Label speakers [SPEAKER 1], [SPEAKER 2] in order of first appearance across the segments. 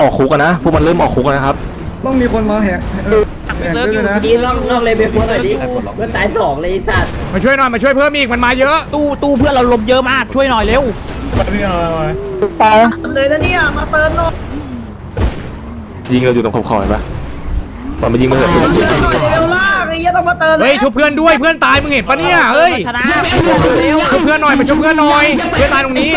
[SPEAKER 1] ออกคุกกันนะพวกมันเริ่มออกคุกกันนะครับ
[SPEAKER 2] ต้องมีคนมาแหกด้วยนะ
[SPEAKER 3] ดีนอกเลยเป็นคนหน่อยดิเพื่อนตาย2เลยสัตว์
[SPEAKER 4] มาช่วยหน่อยมาช่วยเพิ่มอีกมันมาเยอะตู้เพื่อนเราลมเยอะมากช่วยหน่อยเร็ว
[SPEAKER 3] ไปเลยนะเนี่ยมาเติมหน่อย
[SPEAKER 1] ยิงเราอยู่ตรงขอบๆเห็นปะตอนมายิงมาเถอะ
[SPEAKER 3] เร็วล่าไอ้ยังต้องมาเติม
[SPEAKER 4] เฮ้ยช่วยเพื่อนด้วยเพื่อนตายมึงเห็นปะเนี่ยเฮ้ยช่วยเพื่อนหน่อยมาช่วยเพื่อนหน่อยเพื่อนตายตรงนี้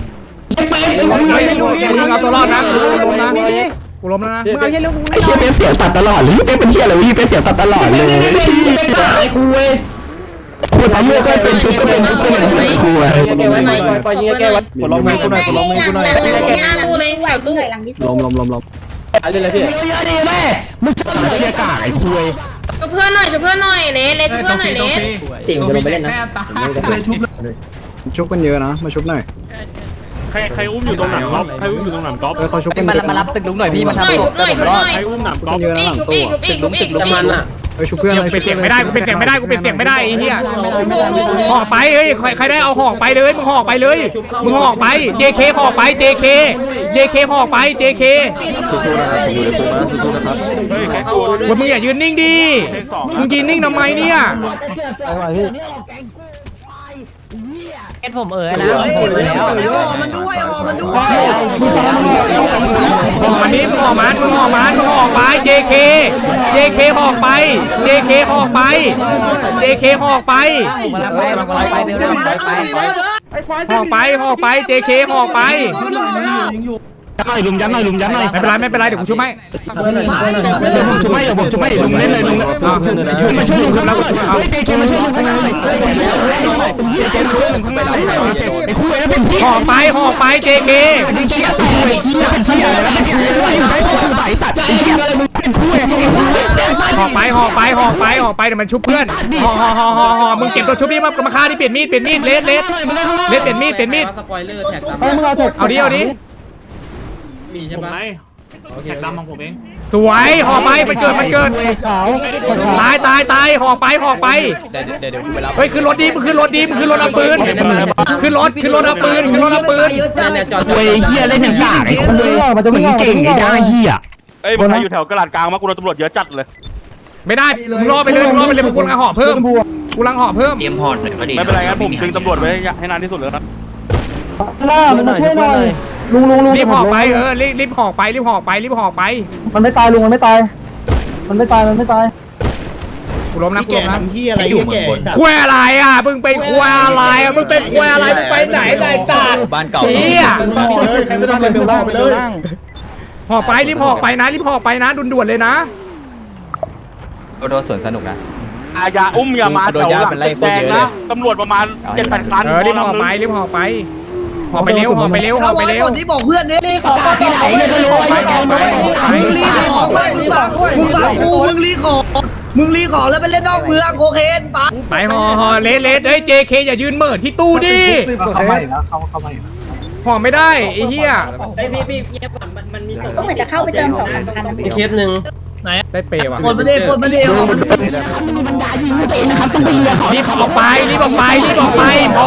[SPEAKER 4] มึงเอาตัวรอดนะกูล้มแล้วนะมึงเอาเหี้ยเรื่องกู
[SPEAKER 1] ไอ้เชี่ยเป็นเสียงตัดตลอดเลยเป็นเชี่ยอะไรวะเป็นเสียงตัดตลอดเลยไอ้คุยคุยทำเมื่อก็เป็นชุดก็เป็นชุดก็เป็นคุย
[SPEAKER 3] แกไว้ไหนปล่อยยิงแกไว้
[SPEAKER 2] กดลงมือกูหน่อยกดลงมือกูหน่อย
[SPEAKER 3] ตู้เลยแหวกตู้หลังที่
[SPEAKER 2] ล้ม
[SPEAKER 3] อะไรเลยพี่
[SPEAKER 1] เยอะดีแม่มึงเชี่ยกากไอ้คุย
[SPEAKER 5] ช่วยเพื่อนหน่อยช่วยเพื่อนหน่อยเละช่วยเพื่อนหน่อยเละ
[SPEAKER 3] ติ่งจะลงไปเล่นนะ
[SPEAKER 2] ชุบกันเยอะนะมาชุบหน่อย
[SPEAKER 6] ใครอุ้มอยู่ตรงหนังก๊อฟใครอุ้มอยู่ตรงหนังก๊อฟ
[SPEAKER 2] เขาชุบกัน
[SPEAKER 3] มารับตึกลุงหน่อยพี่มาทำ
[SPEAKER 5] ชุบหน่อย
[SPEAKER 6] ใครอุ้มหนังก๊อฟ
[SPEAKER 2] เยอะนะหลังตู้
[SPEAKER 3] จะมันอ่ะ
[SPEAKER 2] ชุบเพื่อนอะไร
[SPEAKER 4] เป็นเสียงไม่ได้กูเป็นเสียงไม่ได้ไอ้เหี้ยห่อไปเฮ้ยใครได้เอาห่อไปเลยมึงห่อไปเลยมึงห่อไป JK ห่อไป JK ห่อไป JK
[SPEAKER 1] สู้ๆนะครับผมอยู่ในคุกนะสู้ๆนะครับ
[SPEAKER 6] เฮ้ยแค่ตัวด้วย
[SPEAKER 4] มึงอย่ายืนนิ่งดิมึงยืนนิ่งทำไมเนี่ย
[SPEAKER 3] เอ็ดผมนะผมแล้วมันด้วยมันด้วย
[SPEAKER 4] อันนี้มึงห่อไป JK ห่อไป JK ห่อไป JK ห่อไปJK ห่อไป
[SPEAKER 1] ยัดหน่อย
[SPEAKER 4] ไม่เป็นไรเดี๋ยวกูช่วยไหม
[SPEAKER 1] ผมช่วยลุงเล่นเลยลุงมาช่วยลุงข้างหน้าเฮ้ยเจเคมาช่วยลุงข้างหน้าเจเคมาช่วยลุงข้างหน้าไอ้คุยแล้วเป็นที่
[SPEAKER 4] ห่อไป JK
[SPEAKER 1] เชี่ยเป็นเชี่ยอะไรแล้วเนี่ยไอ้พวกสายสัตว์เชี่ยอะไรมึงเป็นคุย
[SPEAKER 4] ห่อไปเดี๋ยวมันชุบเพื่อนห่อมึงเก็บตัวชุบนี่มาฆ่าที่เปลี่ยนมีดเลสเปลี่ยนมีด
[SPEAKER 3] สปอยเลอร์แท็ก
[SPEAKER 4] เอาดิ
[SPEAKER 6] มีใช่ไหมแท็กดำของผมเอง
[SPEAKER 4] สวยห่อไปมันเกิดตายห่อไป
[SPEAKER 3] เดี๋ยวกูไปรับ
[SPEAKER 4] เฮ้ยขึ้นรถมึงขึ้นรถเอาปืนขึ้นรถเอาปืน
[SPEAKER 1] เว้ยเฮียเล่นอย่างกากไอ้คุยมึงเก่งไอ้ได้เฮีย
[SPEAKER 6] เอ้ยมันอยู่แถวกระดาษกลางมากูโดนตำรวจเยอะจัดเลย
[SPEAKER 4] ไม่ได้มึงรอไปเลยกูกำลังห่อเพิ่มเตรียมห่อหน่อยพอดี
[SPEAKER 6] ไม่เป็นไรครับผมดึงตำรวจไว้ให้นานที่สุดเลยครับ
[SPEAKER 2] มึงมาช่วยหน่อยลุง
[SPEAKER 4] รีบห่อไปรีบห่อไป
[SPEAKER 2] มันไม่ตายลุงมันไม่ตาย
[SPEAKER 4] กูล้มนะ
[SPEAKER 3] พี่อะไรอยู่แก่
[SPEAKER 4] คุยอะไรอ่ะมึงเป็นคุยอะไรมึงไปไหนไอ้สัตว์
[SPEAKER 3] บ้านเก่า
[SPEAKER 2] ใครไม่ได้เบลล่างไปเลย
[SPEAKER 4] ห่อไปรีบห่อไปนะด่วนๆเลยนะ
[SPEAKER 3] โดนสวนสนุกนะ
[SPEAKER 6] อาญาอุ้มอย่ามาแถวหลังแดงนะตำรวจประมาณ 7-8 คัน
[SPEAKER 4] รีบห่อไปเร็วห่อไปเร็ว
[SPEAKER 3] ที่บอกเพื่อนเนี่ยรีขอที่ไหนเนี่ยก็รู้มึงรีขอแล้วไปเล่นนอกเมืองโอเคปะ
[SPEAKER 4] ไปห่อเลสเฮ้ย JK อย่ายืนเหม่อที่ตู้ดิ
[SPEAKER 2] เข้ามาแล้ว
[SPEAKER 4] ห่อไม่ได้ไอ้เหี้ย
[SPEAKER 5] พี่เงียบก่อนมันมีก็เหมือนจะเข้าไปเติม2-3 คันนะ
[SPEAKER 3] เคสหนึ่ง
[SPEAKER 4] ได้เปย์ว่ะ
[SPEAKER 3] ปนมาเดมันด่ายิงตัวเองนะครับต้องไปเรียก
[SPEAKER 4] รีบออกไปพอรีบออกไปเป็ดพอรีบอ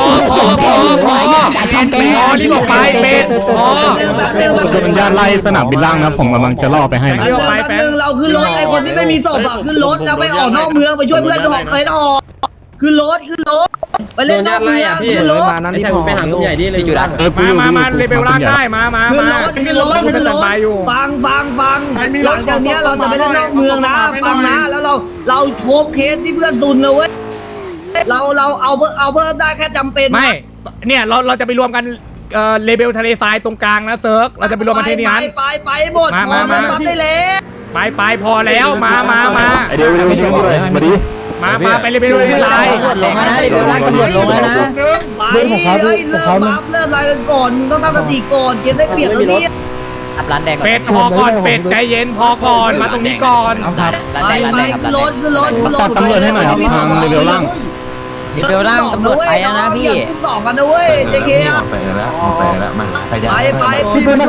[SPEAKER 1] โดนญาติไล่สนามบินล่างนะผมกำลังจะล่อไปให้นะ
[SPEAKER 3] เราขึ้นรถไอ้คนที่ไม่มีศพอะขึ้นรถแล้วไปออกนอกเมืองไปช่วยเพื่อนหอกเคยหอกขึ้นรถไปเล่นนอกเมืองขึ้นรถ
[SPEAKER 2] มานั้นที่พอไปหากลุ่มใหญ่ดิเลย
[SPEAKER 3] จุด
[SPEAKER 4] มาเลเบลล่างได้มา
[SPEAKER 3] ขึ้นรถฟังหลังจากนี้เราจะไปเล่นนอกเมืองนะฟังนะแล้วเราโคบเคสที่เพื่อนตุนเลยเว้ยเราเอาเพิ่มได้แค่จำเป็น
[SPEAKER 4] ไม่เนี่ยเราจะไปรวมกันเลเบลทะเลทรายตรงกลางนะเซิร์กเราจะไปรวมกันที่นี่นั้น
[SPEAKER 3] ไปหมดมาได้เลย
[SPEAKER 4] ไปพอแล้วมา
[SPEAKER 1] เดี๋ยวมาดิ
[SPEAKER 4] มาไปเลเบลทะเลทราย
[SPEAKER 3] ลงนะเดี๋ยวตำรวจลงนะเริ่มอะไรกันก่อนมึงต้องตั้งสติก่อนเกมได้เปรียบตรงนี้อับร้านแดง
[SPEAKER 4] เป็ดพอก่อนเป็ดใจเย็นพอก่อนมาตรงนี้ก่อน
[SPEAKER 3] ไปขึ้นรถ
[SPEAKER 1] ตัดตำรวจให้หน่อยครับทางเลเวลล่าง
[SPEAKER 3] ตำรวจไปนะพี่ต่อกันนะเว้ยเจเค
[SPEAKER 1] ไปแล้วมา
[SPEAKER 3] ไป
[SPEAKER 2] พี่เป็น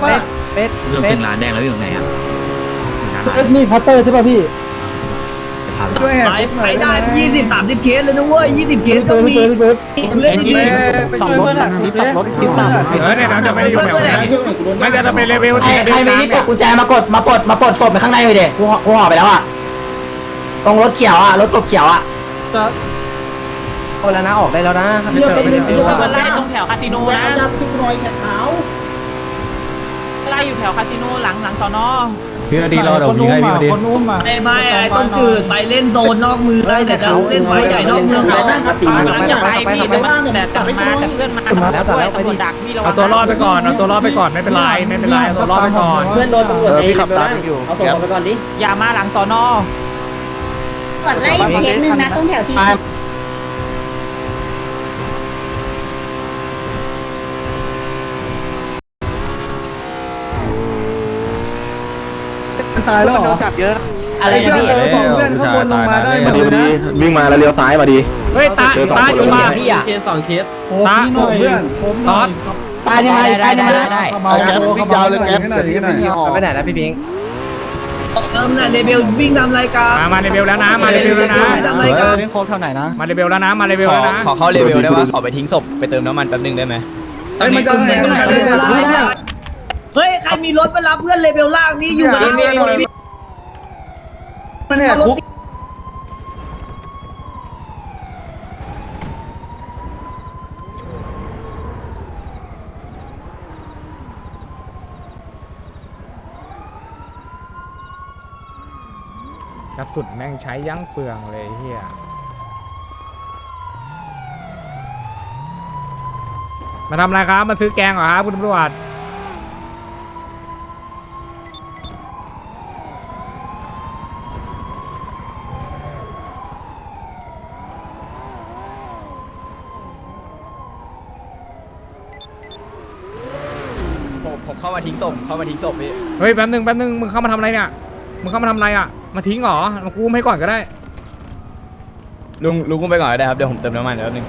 [SPEAKER 1] เป็ดถึงร้านแดงแล้วอยู่ตรงไหนอ่ะ
[SPEAKER 2] มีพัตเตอร์ใช่ป่ะพี่
[SPEAKER 3] ไปได้20-30 เคสเลยนะเว้ย20 เคสก็มีเล่นดี
[SPEAKER 2] สองรถสองรถคิดตาม
[SPEAKER 4] เนี่ยเราจะไปอยู่แบบนี้ไม่จะไปเลเวล
[SPEAKER 7] ใครมีที่ปลดกุญแจมากดมาปลดศพไปข้างในเลยเด็กกูห่อไปแล้วอ่ะตรงรถเขียวอ่ะรถกบเขียวอ่ะเอาแล้วนะออกได้แล้วนะเลือกไปไล่ตรงแถวคาสิโนนะทุกหน่อยแขกขาวไล่อยู่แถวคาสิโนหลังสอนอ
[SPEAKER 1] พี่อดีรอเดี๋ยวพี่ให้พี่อดี
[SPEAKER 3] ไม่ต้องจืดไปเล่นโซนนอกเมืองได้แต่จะเล่นไฟใหญ่นอกเมืองเขา
[SPEAKER 7] ไปพี่แต่กลับมาแต่เพื่อนมาแล้วไปดักพี่เรา
[SPEAKER 4] เอาตัวรอดไปก่อนเอาตัวรอดไปก่อนไม่เป็นไรเอาตัวรอดไปก่อน
[SPEAKER 7] เพื่อนโดนตำรวจพี่ขับตามอยู่เอาส่งไปก่อนดิอย่ามาหลังสอนอ
[SPEAKER 5] ก่อนไล่เคสหนึ่งนะตรงแถวที่
[SPEAKER 2] ตายแล้วโดนจับเยอะอะไรเนี่ยพี่เพื่อนข้างบนลงมาได้
[SPEAKER 1] มาดีวิ่งมาแล้วเลี้ยวซ้ายมาดี
[SPEAKER 4] เฮ้ยตาอยู่มา
[SPEAKER 7] เคส2 เคส
[SPEAKER 4] ตา
[SPEAKER 2] หน่อยเพื่อนผม
[SPEAKER 4] ตอด
[SPEAKER 7] ตายได้แก๊ปวิ่งยาวเลยแก๊ป
[SPEAKER 2] แต่นี้ไม่มีห่อ
[SPEAKER 7] ไปไหนนะพี่พิง
[SPEAKER 3] น่ะเลเบลวิ่งทำรายการ
[SPEAKER 4] มาเลเวลแล้วนะมาเลเวลแล้วนะ
[SPEAKER 3] ทำรายการ
[SPEAKER 2] นี่โค้ดเท่าไหนนะ
[SPEAKER 4] มาเลเวลแล้วนะมาเลเวลแล้วนะ
[SPEAKER 8] ขอเข้าเลเวลได้ปะขอไปทิ้งศพไปเติมน้ำมันแป๊บนึงได้ไหม
[SPEAKER 3] เฮ้ยมันจะเฮ้ยใครมีรถไปรับเพื่อนเลเบลล่างนี่อยู่กับเลเบล
[SPEAKER 2] มันแหกคุก
[SPEAKER 4] กระสุนแม่งใช้ยั้งเปลืองเลยเฮียมาทำอะไรครับมาซื้อแกงเหรอครับคุณตำรวจ
[SPEAKER 8] ผมเข้ามาทิ้งศพพี่
[SPEAKER 4] เฮ้ยแป๊บนึงมึงเข้ามาทำอะไรเนี่ยมึงเข้ามาทำอะไรอ่ะมาทิ้งเหรอมากู้ให้ก่อนก็ได้
[SPEAKER 8] ลุงกุ้งไปก่อนก็ได้ครับเดี๋ยวผมเติมน้ำมันแป๊บนึง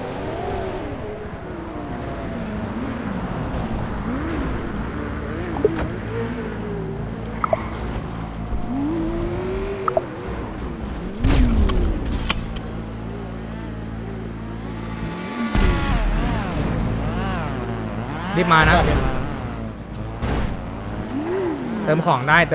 [SPEAKER 4] รีบมานะเติมของได้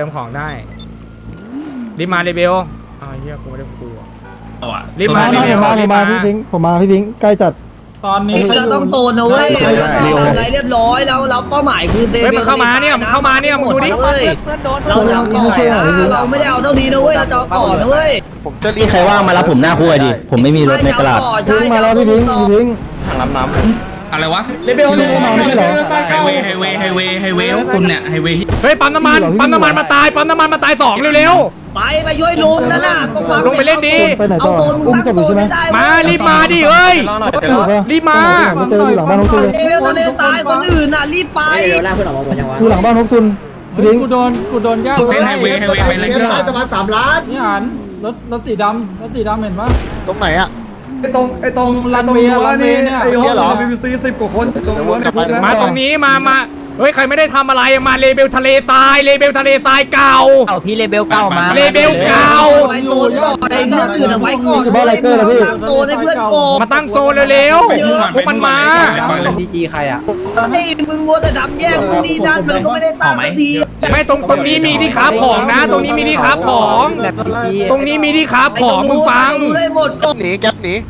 [SPEAKER 4] รีบมาเลเบลอ้าวเฮียกูไม่ได้กลัวรีบมาเลเบลมาพี่พิง
[SPEAKER 2] ผมมาพี่พิงใกล้จัด
[SPEAKER 3] ตอนนี้จะต้องโซนนะเว้ยอะไรเรียบร้อยแล้วเราเป้าหมายคือเลเบล
[SPEAKER 4] เฮ้ยมันเข้ามาเนี่ยมึงดูดิ
[SPEAKER 3] เราไม่ได้เอาเท่านี้นะเว้ยเราจะต่อนะเว้ย
[SPEAKER 7] ผมจะรีบใครว่างมารับผมหน้าคู่ดิผมไม่มีรถในตลาด
[SPEAKER 2] พิงมาแล้วพี่พิง
[SPEAKER 1] ถังรับน้ำ
[SPEAKER 6] อะไรวะ
[SPEAKER 2] เลเบลลงมาไม่ใช่เหรอ
[SPEAKER 6] ไฮเวย์ของคุณเนี่ยไฮเวย์
[SPEAKER 4] เฮ้ยปั๊มน้ำมันมาตาย2เร็ว
[SPEAKER 3] ไปช่วยลุงนั่นน่ะต้องวาง
[SPEAKER 4] ลงไปเล่นดี
[SPEAKER 2] ไปไหนต่
[SPEAKER 3] เอา
[SPEAKER 2] อ
[SPEAKER 3] โซนมึงตั้งโซนไม่ได้
[SPEAKER 4] มารีบมาดิเฮ้ยรีบมา
[SPEAKER 2] ไม่เจออยู่หลังบ้านฮกซุนเลย
[SPEAKER 3] เลเบลทะเลทรายคนอื่นน่ะรีบไป
[SPEAKER 2] อยู่หลังบ้านฮกซุนพี่พิง
[SPEAKER 6] กูโดนย่าเส้นไฮเวย์ไปเลยก็
[SPEAKER 2] ประมาณ3 ล้าน
[SPEAKER 6] นี่หันรถสีดำเห็นปะ
[SPEAKER 2] ตรงไหนอะไอ้ตรงรั้วนี่ไอ้ห้อง BBC 10 กว่าคนตรงรั้วเนี่ย
[SPEAKER 4] มาตรงนี้มาเฮ้ยใครไม่ได้ทำอะไรมาเลเบลทะเลทรายเก่า
[SPEAKER 7] เอาพี่เลเบลเก้ามา
[SPEAKER 4] เลเบลเก่า
[SPEAKER 3] ไว้โซนก่อนไอ้เพื่อนอื่นเอาไว้ก่อนตั้งโซนให้เพื่อนก่อน
[SPEAKER 4] มาตั้งโซนเร็วๆพวกมันมา
[SPEAKER 7] ดีจีใครอ่ะ
[SPEAKER 3] ไอ้มึงมัวแต่ทำแย่งมึงนี่นั่นมันก็ไม่ได้ตั้งสักที
[SPEAKER 4] ไม่ตรงนี้มีที่ค้าของนะ ตรงนี้มีที่ค้าของตรงนี้มีที่ค้าของมึงฟัง
[SPEAKER 3] ได้หมดก่อน
[SPEAKER 2] หนีแก๊ปหนี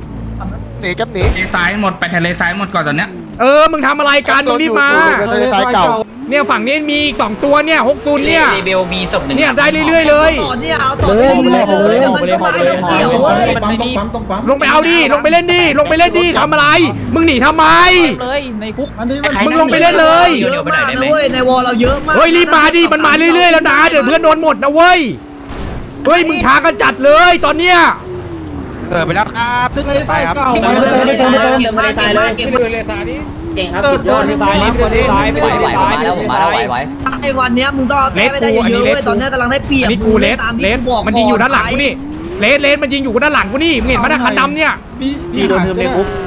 [SPEAKER 6] ซ้ายหมดไปทะเลซ้ายหมดก่อนตอนเนี้ย
[SPEAKER 4] มึงทำอะไรกันมึงรีบมาเนี่ยฝั่งนี้มีอีก2ตัวเนี่ย60เนี่ย
[SPEAKER 7] เลเบลมีศพหนึ่ง
[SPEAKER 4] เนี่ยได้เรื่อยๆเลย
[SPEAKER 3] ต่อเนี่ยเอาต่อเลยมันก็ไม่ต้องเกี่ยวเว้ย
[SPEAKER 4] ลงไปเอาดิลงไปเล่นดิทำอะไร มึงหนีทำไม
[SPEAKER 7] เลยในคุก
[SPEAKER 4] มึงลงไปเล่นเลย
[SPEAKER 3] เยอะมากนะเว้ยในวอลเราเยอะมาก
[SPEAKER 4] เฮ้ยรีบมาดิมันมาเรื่อยๆแล้วนะเดี๋ยวเพื่อนโดนหมดนะเว้ยเฮ้ยมึงช้ากันจัดเลยตอนเนี้ย
[SPEAKER 2] ไปแล้วครับไปครับ
[SPEAKER 7] ไม่เติมทะเลทรายเลย
[SPEAKER 3] เก็บ
[SPEAKER 7] เก่งครับสุดยอดที่ซ้ายไหวแล้วผมมาแล้วไหว
[SPEAKER 3] ไอ้วันเนี้ยมึงต้องแก้ไม่ได้เยอะเว้ยตอนนี้กำลังได้เปรียบ
[SPEAKER 4] อันนี้กูเลสมันยิงอยู่ด้านหลังกูนี่เลสมันยิงอยู่ด้านหลังกูนี่มึงเห็นมั้ยคันดำเนี่ย
[SPEAKER 7] พี่โดนเทิมในคุก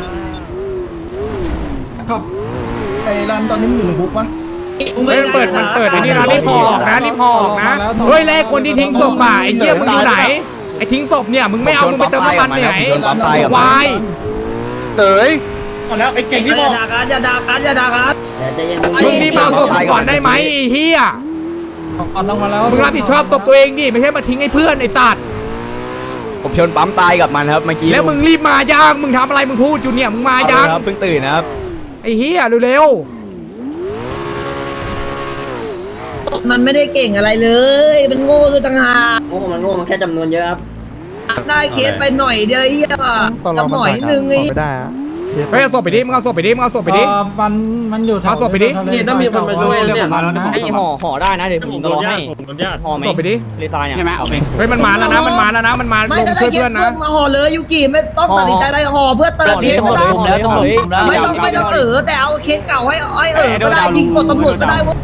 [SPEAKER 2] ไอ้รันตอนนี้มึงอยู่ในคุกปะ
[SPEAKER 4] มันเปิดไอ้นี่นะรีบพอออกนะเฮ้ยแรกคนที่ทิ้งศพป่ะไอ้เหี้ยมึงอยู่ไหนไอ้ทิ้งศพเนี่ยมึงไม่เอามึงไปเติมน้ำมันไหนวาย
[SPEAKER 6] เต๋ย
[SPEAKER 3] แล้วไอ้เก่งที่บอกอย่าด่ากันอย่าด่ากันอย่าด่ากัน
[SPEAKER 4] มึงนี่มาเอาศพก่อนได้ไหมไอ้เหี้ย
[SPEAKER 2] ลงมาแล้ว
[SPEAKER 4] มึงรับผิดชอบตัวเองดิไม่ใช่มาทิ้งให้เพื่อนไอ้สัตว์
[SPEAKER 8] ผมชนปั๊มตายกับมันครับเมื่อกี้
[SPEAKER 4] แล้วมึงรีบมายังมึงทำอะไรมึงพูดอยู่เนี่ยมึงมายัง
[SPEAKER 8] ครับเพิ่งตื่นนะครับ
[SPEAKER 4] ไอ้เหี้ยเร็ว
[SPEAKER 3] มันไม่ได้เก่งอะไรเลยมันโง่ด้วยต่างหาก
[SPEAKER 5] โง่มันแค่จำนวนเยอะครับ
[SPEAKER 3] ได้เคสไปหน่อยเดียวไอ้เหี้ยจะหน่อยนึงไอ้
[SPEAKER 4] เฮ้ยเอาศพไปดิมึงเอาศพไปดิมึงเอาศพไปดิ
[SPEAKER 2] มันอยู่
[SPEAKER 4] เอาศพไปดิ
[SPEAKER 2] นี่ต้องมีคนมาช่วยเนี่ยไอ้ห่อได้นะเดี๋ยวผมรอให้ห่อไหม
[SPEAKER 4] ศพไปดิ
[SPEAKER 2] เลซายเนี่ยใช่ไหมเอาไป
[SPEAKER 4] เฮ้ยมันมาแล้วนะมันมาแล้วนะมันมา
[SPEAKER 3] ไม่
[SPEAKER 4] ลง
[SPEAKER 3] ก็ได้
[SPEAKER 4] ช่วย
[SPEAKER 3] เค
[SPEAKER 4] เพื่
[SPEAKER 3] ส
[SPEAKER 4] อนนะ
[SPEAKER 3] เพื่อนมาห่อเลยยูกิไม่ต้องตัดสินใจอะไรห่อเพื่อเติมเคสก็ได้ไม่ต้องแต่เอาเคสเก่าให้ก็ได้ยิงกดตำรวจก็ได้วะ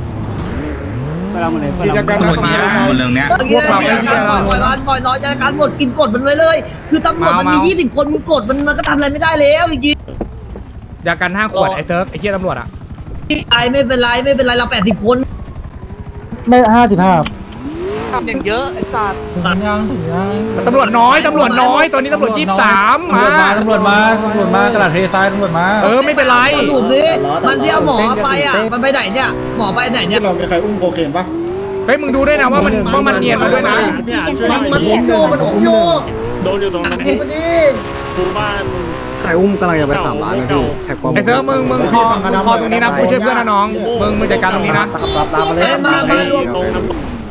[SPEAKER 6] กิจกรรมแบบนี้บนเรื่องเนี้ย
[SPEAKER 3] ปล่อยรอจัดการหมดกินกดมันไว้เลย คือตำรวจมันมี20 คนมึงกดมันก็ทำอะไรไม่ได้แล้วจริง
[SPEAKER 4] ยากัน5 ขวดไอ้เซิร์ฟไอ้เหี้ยตำรวจอ่ะ
[SPEAKER 3] ๆไม่เป็นไรเรา80 คน
[SPEAKER 2] ไม่55
[SPEAKER 8] อย่างเยอะไอ้สัตว์
[SPEAKER 4] ตำรวจน้อยตอนนี้ตำรวจ23มา
[SPEAKER 2] ตำรวจมากระดาษเททรายตำรวจมา
[SPEAKER 4] ไม่เป็นไร
[SPEAKER 3] สรุปดิมันที่เอาหมอไปมันไปไหนเนี่ยหมอไปไหนเนี่ย
[SPEAKER 6] เรามีใครอุ้มโคเคนปะ
[SPEAKER 4] เฮ้ยมึงดูด้วยนะว่ามันเนียนมาด้วยนะ
[SPEAKER 6] มันอมโยโดนอยู่ตรงนั้นดูบ้าน
[SPEAKER 2] ใครอุ้มกำลังจะไป3 ล้านนะพี่แท็กปอม
[SPEAKER 4] ไอ้เซิร์ฟมึงคอตรงนี้นะกูช่วยเพื่อนนะน้องมึงจัดการตรงนี้นะ
[SPEAKER 2] รับมาเลย
[SPEAKER 3] มารวม